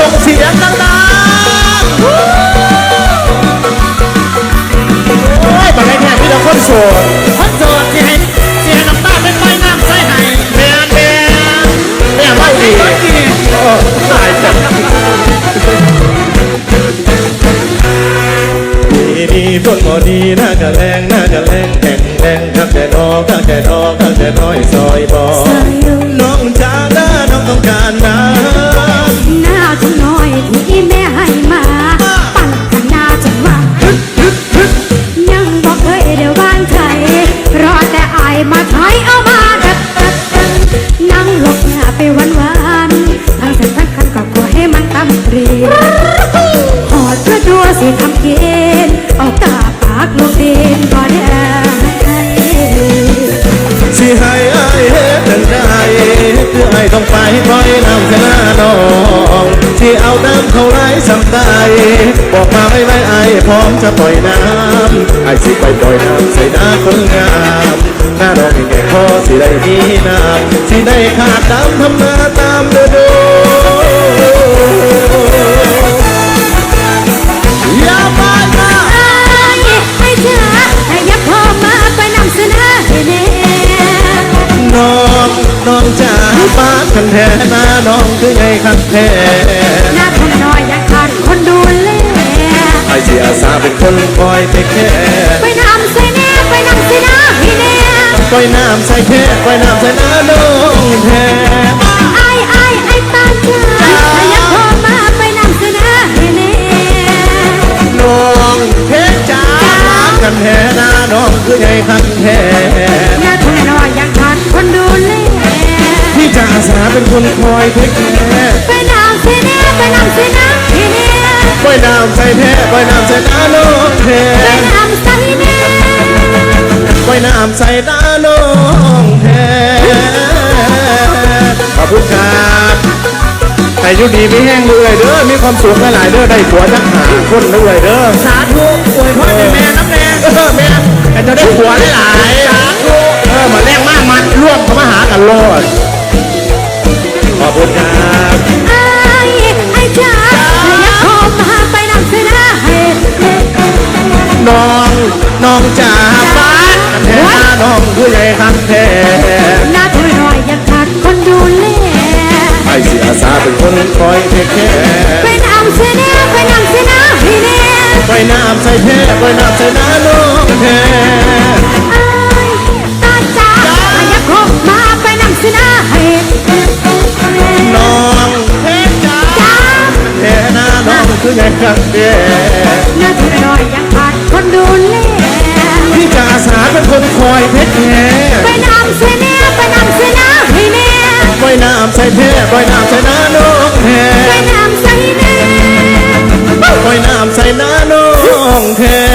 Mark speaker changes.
Speaker 1: ส่งเสียงดังๆโอ้ยมาได้แค่พี่เราคนโสดคนโสดที่ให้น้ำตาเป็นไฟน้ำใส่ให้แม่เล่าดีตายจังดีฝนบ่ดีน่ากะแรงแข็งแรงข้างแต่นอข้างแต่น้อยซอยบ่น้องจ้าด้าน้องต้องการน้ำ
Speaker 2: หน้าทุ่งน้อยที่แม่ให้มาปั่นขนาดจนว่ายังบอกเคยเดี๋ยวบ้านไทยรอแต่อายมาถอยเอามาดักนั่งหลบหน้าไปวันทั้งเส้นทั้งคันก็ขอให้มันตำเรียหอดเพื่อตัวสิทำเกณฑ์ออกตาปากลูกเด่นก็ได้
Speaker 1: สิให้อายเฮ็ดจังใดคืออายต้องไปปล่อยน้ำเสนาน้องที่เอาน้ำเข้าไหลสัมตายบอกมาไว้อายพร้อมจะปล่อยน้ำอายสิไปปล่อยน้ำใส่หน้าคนงามหน้าน้องมีแก่พอสิได้มีน้ำสิได้ขาดน้ำทำนาตามฤดูอย่าไปนะ
Speaker 2: ให้เธอให้ยับพอมาไปนำเสนอให้แน่
Speaker 1: น้องจ๋าบ้านคันแท้หน้าน้องคือไงคันแท้
Speaker 2: หน้าทุ่งน้อยอยากขาดคนดูแล
Speaker 1: ไอ้ที่อาสาเป็นคนคอยเทคแค่
Speaker 2: ไปนำใส่แน่ไปนำใส่หน้าให้แน่
Speaker 1: ปล่อยน้ำใส่แค่ปล่อยน้ำใส่หน้าน้องแท้
Speaker 2: ไอ้ตาจ๋าให้ยับพอมาไปนำเสนอให้แน่
Speaker 1: น้องเพชรจ๋าบ้านคันแท้หน้าน้องคือไงคันแท้
Speaker 2: หน้าทุ่งน้อยอยากขาดคนดูแล
Speaker 1: พี่จะอาสาเป็นคนคอยเทคแค่
Speaker 2: ไปนำใส่แน่ไปนำใส่หน้าให้แน่
Speaker 1: ปล่อยน้ำใส่แท้ปล่อยน้ำใส่หน้าน้องแท้
Speaker 2: ไปนำใส่แน่
Speaker 1: ปล่อยน้ำใส่หน้าน้องแท้ขอบคุณครับแต่ยุดีมีแห้งเลยเด้อมีความสุขหลายเด้อได้ผัวจักหาคนเลยเด้อ
Speaker 2: สาธุอวยพรให้แม่น้ำแดง
Speaker 1: แม่แต่จะได้ผัวหลายสาธุมาแรงมากมันร่วมเข้ามาหากันโลดขอบคุณครับ
Speaker 2: ไอ้จ๋าอยากขอมาไปนำเสนอให้
Speaker 1: น้องจ๋าบ้านกันแท้น้องผู้ใหญ่คันแท้
Speaker 2: หน้าทุ่งน้อยอยากขาดคนดูแล
Speaker 1: ไอ้สิอาสาเป็นคนคอยเทคแค่
Speaker 2: ไปนำเสนอให้แน่
Speaker 1: ไปน้ำใส่แท้ไปน้ำใส่หน้าน้องแท้
Speaker 2: ตาจ๋าอยากขอมาไปนำเสนอให้
Speaker 1: น้องเพชรจ๋าแท้หน้าน้องคือไงครับเด้
Speaker 2: หน้าทุ่งน้อยอยากขาดคนดูแล
Speaker 1: พี่จะอาสาเป็นคนคอยเพชรแท้
Speaker 2: ไปนำเสนอให้แน่
Speaker 1: ไปน้ำใส่แท้ไปน้ำใส่หน้าน้องแท้
Speaker 2: ไปนำใส่แน่
Speaker 1: ไปน้ำใส่หน้าน้องแท้